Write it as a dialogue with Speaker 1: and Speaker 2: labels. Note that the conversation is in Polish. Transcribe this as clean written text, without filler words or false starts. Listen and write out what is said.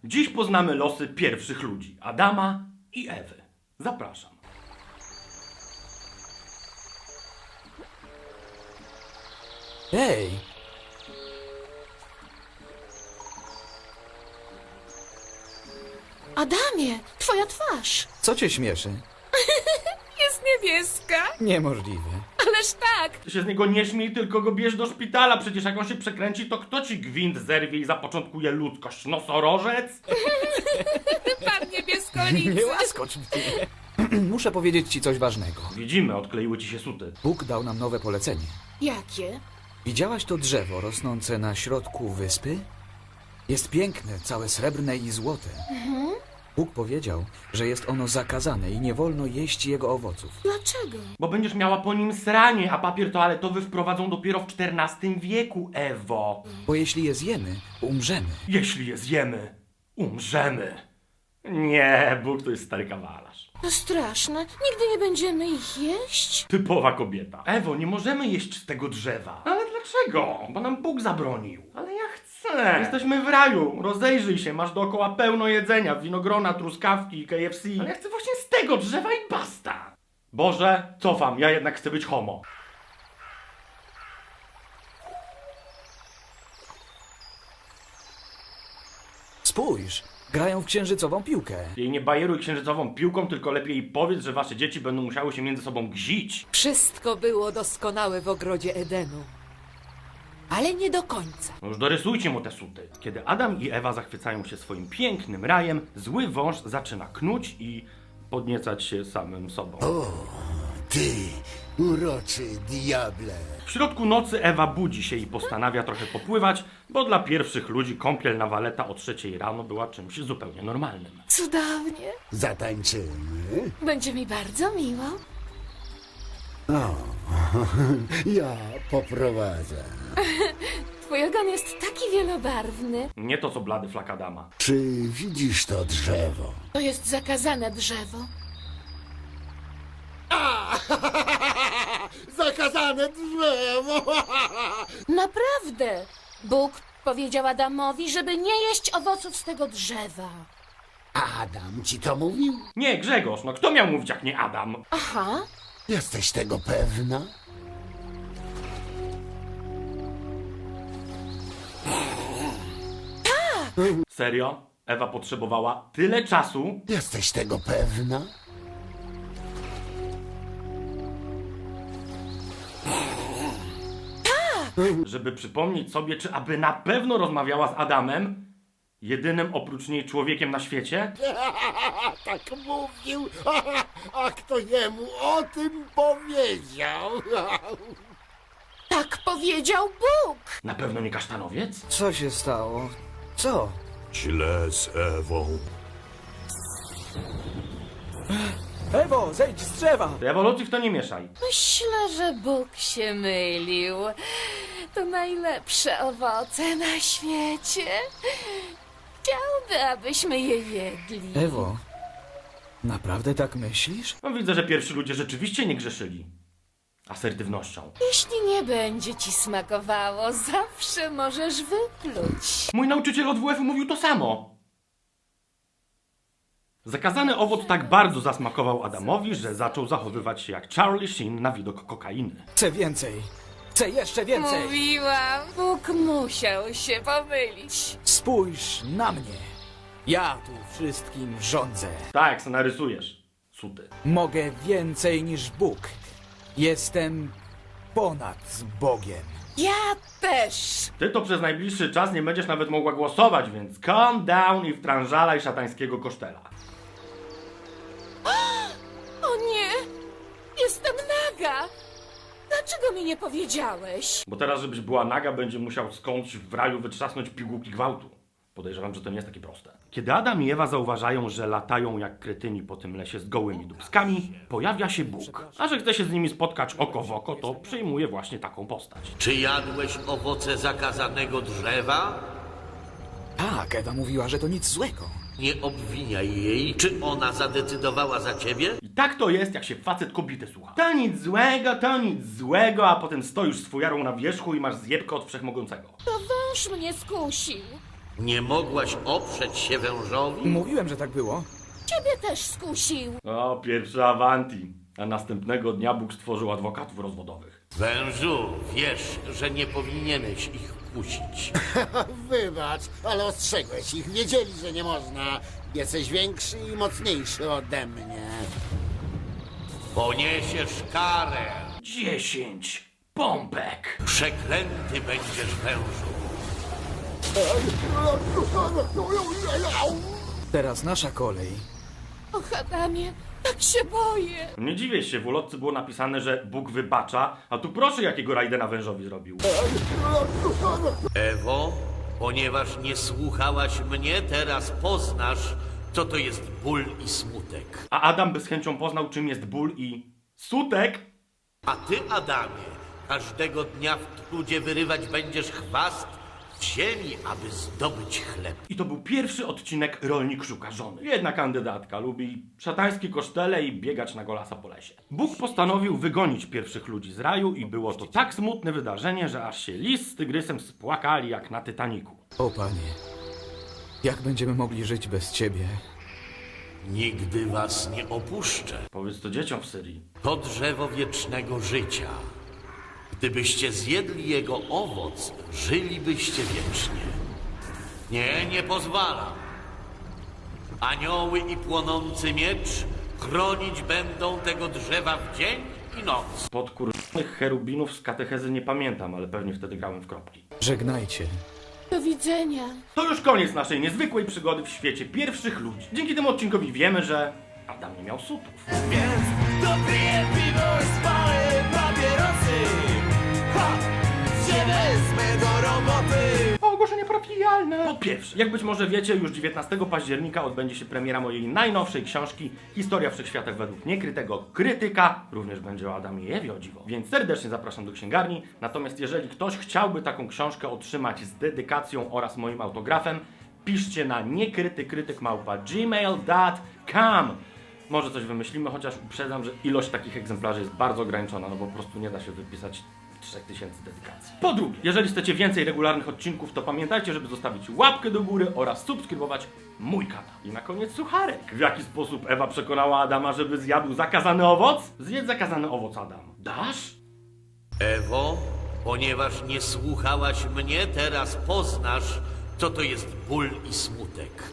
Speaker 1: Dziś poznamy losy pierwszych ludzi, Adama i Ewy. Zapraszam.
Speaker 2: Ej,
Speaker 3: Adamie, twoja twarz
Speaker 2: co cię śmieszy?
Speaker 3: jest niebieska.
Speaker 2: Niemożliwe.
Speaker 3: Ależ tak.
Speaker 1: Ty się z niego nie śmiej, tylko go bierz do szpitala. Przecież jak on się przekręci, to kto ci gwint zerwie i zapoczątkuje ludzkość? Nosorożec?
Speaker 3: Pan niebieskolicy.
Speaker 2: Nie łaskocz mnie. Muszę powiedzieć ci coś ważnego.
Speaker 1: Widzimy, odkleiły ci się suty.
Speaker 2: Bóg dał nam nowe polecenie.
Speaker 3: Jakie?
Speaker 2: Widziałaś to drzewo rosnące na środku wyspy? Jest piękne, całe srebrne i złote. Bóg powiedział, że jest ono zakazane i nie wolno jeść jego owoców.
Speaker 3: Dlaczego?
Speaker 1: Bo będziesz miała po nim sranie, a papier toaletowy wprowadzą dopiero w XIV wieku, Ewo.
Speaker 2: Bo jeśli je zjemy, umrzemy.
Speaker 1: Jeśli je zjemy, umrzemy. Nie, Bóg to jest stary kawalarz.
Speaker 3: To straszne. Nigdy nie będziemy ich jeść.
Speaker 1: Typowa kobieta. Ewo, nie możemy jeść z tego drzewa. Ale dlaczego? Bo nam Bóg zabronił. Ale ja chcę. Jesteśmy w raju. Rozejrzyj się, masz dookoła pełno jedzenia. Winogrona, truskawki, KFC. Ale ja chcę właśnie z tego drzewa i basta. Boże, cofam, ja jednak chcę być homo.
Speaker 2: Spójrz, grają w księżycową piłkę.
Speaker 1: Jej nie bajeruj księżycową piłką, tylko lepiej jej powiedz, że wasze dzieci będą musiały się między sobą gzić.
Speaker 4: Wszystko było doskonałe w ogrodzie Edenu. Ale nie do końca.
Speaker 1: No już dorysujcie mu te suty. Kiedy Adam i Ewa zachwycają się swoim pięknym rajem, zły wąż zaczyna knuć i podniecać się samym sobą.
Speaker 5: Ty, uroczy diable.
Speaker 1: W środku nocy Ewa budzi się i postanawia trochę popływać, bo dla pierwszych ludzi kąpiel na waleta o 3 rano była czymś zupełnie normalnym.
Speaker 3: Cudownie.
Speaker 5: Zatańczymy?
Speaker 3: Będzie mi bardzo miło.
Speaker 5: Ja poprowadzę.
Speaker 3: Twój ogon jest taki wielobarwny.
Speaker 1: Nie to co blady flak Adama.
Speaker 5: Czy widzisz to drzewo?
Speaker 3: To jest zakazane drzewo.
Speaker 5: Zakazane drzewo!
Speaker 3: Naprawdę. Bóg powiedział Adamowi, żeby nie jeść owoców z tego drzewa.
Speaker 5: Adam ci to mówił?
Speaker 1: Nie, Grzegorz, no kto miał mówić jak nie Adam?
Speaker 3: Aha.
Speaker 5: Jesteś tego pewna?
Speaker 1: Serio? Ewa potrzebowała tyle czasu?
Speaker 5: Jesteś tego pewna?
Speaker 1: Żeby przypomnieć sobie, czy aby na pewno rozmawiała z Adamem, jedynym oprócz niej człowiekiem na świecie?
Speaker 5: Tak mówił. A kto jemu o tym powiedział?
Speaker 3: Tak powiedział Bóg.
Speaker 1: Na pewno nie kasztanowiec?
Speaker 2: Co się stało? Co?
Speaker 6: Źle z Ewą.
Speaker 2: Ewo, zejdź z drzewa!
Speaker 1: Ty ewolucji w to nie mieszaj.
Speaker 3: Myślę, że Bóg się mylił. To najlepsze owoce na świecie. Chciałby, abyśmy je jedli.
Speaker 2: Ewo, naprawdę tak myślisz?
Speaker 1: No widzę, że pierwsi ludzie rzeczywiście nie grzeszyli asertywnością.
Speaker 3: Jeśli nie będzie ci smakowało, zawsze możesz wypluć.
Speaker 1: Mój nauczyciel od WF-u mówił to samo. Zakazany owoc tak bardzo zasmakował Adamowi, że zaczął zachowywać się jak Charlie Sheen na widok kokainy.
Speaker 2: Chcę więcej! Chcę jeszcze więcej!
Speaker 3: Mówiłam, Bóg musiał się pomylić.
Speaker 2: Spójrz na mnie! Ja tu wszystkim rządzę.
Speaker 1: Tak, jak se narysujesz. Suty.
Speaker 2: Mogę więcej niż Bóg. Jestem ponad Bogiem.
Speaker 3: Ja też.
Speaker 1: Ty to przez najbliższy czas nie będziesz nawet mogła głosować, więc calm down i wtrążalaj szatańskiego kosztela.
Speaker 3: O nie, jestem naga. Dlaczego mi nie powiedziałeś?
Speaker 1: Bo teraz, żebyś była naga, będzie musiał skądś w raju wytrzasnąć pigułki gwałtu. Podejrzewam, że to nie jest takie proste. Kiedy Adam i Ewa zauważają, że latają jak kretyni po tym lesie z gołymi dubskami, pojawia się Bóg. A że chce się z nimi spotkać oko w oko, to przyjmuje właśnie taką postać.
Speaker 7: Czy jadłeś owoce zakazanego drzewa?
Speaker 2: Tak, Ewa mówiła, że to nic złego.
Speaker 7: Nie obwiniaj jej. Czy ona zadecydowała za ciebie?
Speaker 1: I tak to jest, jak się facet kobiety słucha. To nic złego, a potem stoisz z fujarą na wierzchu i masz zjebkę od wszechmogącego.
Speaker 3: To wąż mnie skusił.
Speaker 7: Nie mogłaś oprzeć się wężowi?
Speaker 2: Mówiłem, że tak było.
Speaker 3: Ciebie też skusił.
Speaker 1: O, pierwszy Avanti. A następnego dnia Bóg stworzył adwokatów rozwodowych.
Speaker 7: Wężu, wiesz, że nie powinieneś ich kusić.
Speaker 5: Wybacz, ale ostrzegłeś ich. Wiedzieli, że nie można. Jesteś większy i mocniejszy ode mnie.
Speaker 7: Poniesiesz karę.
Speaker 1: 10 pompek.
Speaker 7: Przeklęty będziesz, wężu.
Speaker 2: Teraz nasza kolej.
Speaker 3: Och, Adamie, tak się boję.
Speaker 1: Nie dziwię się, w ulotce było napisane, że Bóg wybacza, a tu proszę jakiego Raidena wężowi zrobił.
Speaker 7: Ewo, ponieważ nie słuchałaś mnie, teraz poznasz, co to jest ból i smutek.
Speaker 1: A Adam by z chęcią poznał, czym jest ból i sutek.
Speaker 7: A ty, Adamie, każdego dnia w trudzie wyrywać będziesz chwast w ziemi, aby zdobyć chleb.
Speaker 1: I to był pierwszy odcinek Rolnik szuka żony. Jedna kandydatka lubi szatańskie kosztele i biegać na golasa po lesie. Bóg postanowił wygonić pierwszych ludzi z raju i było to tak smutne wydarzenie, że aż się lis z tygrysem spłakali jak na Titaniku.
Speaker 2: O panie, jak będziemy mogli żyć bez ciebie?
Speaker 7: Nigdy was nie opuszczę.
Speaker 1: Powiedz to dzieciom w Syrii.
Speaker 7: To drzewo wiecznego życia. Gdybyście zjedli jego owoc, żylibyście wiecznie. Nie, nie pozwalam. Anioły i płonący miecz chronić będą tego drzewa w dzień i noc.
Speaker 1: Podkurzonych cherubinów z katechezy nie pamiętam, ale pewnie wtedy grałem w kropki.
Speaker 2: Żegnajcie.
Speaker 3: Do widzenia.
Speaker 1: To już koniec naszej niezwykłej przygody w świecie pierwszych ludzi. Dzięki temu odcinkowi wiemy, że Adam nie miał sutów.
Speaker 8: Więc dopiję piwo i spalę papierosy. Ha! Się wezmę do roboty.
Speaker 1: Ogłoszenie parafialne! Po pierwsze, jak być może wiecie, już 19 października odbędzie się premiera mojej najnowszej książki Historia Wszechświata według niekrytego krytyka. Również będzie o Adamie i Ewie, o dziwo. Więc serdecznie zapraszam do księgarni. Natomiast jeżeli ktoś chciałby taką książkę otrzymać z dedykacją oraz moim autografem, piszcie na niekrytykrytyk@gmail.com. Może coś wymyślimy, chociaż uprzedzam, że ilość takich egzemplarzy jest bardzo ograniczona, no bo po prostu nie da się wypisać 3000 dedykacji. Po drugie, jeżeli chcecie więcej regularnych odcinków, to pamiętajcie, żeby zostawić łapkę do góry oraz subskrybować mój kanał. I na koniec sucharek. W jaki sposób Ewa przekonała Adama, żeby zjadł zakazany owoc? Zjedz zakazany owoc, Adam. Dasz?
Speaker 7: Ewo, ponieważ nie słuchałaś mnie, teraz poznasz, co to jest ból i smutek.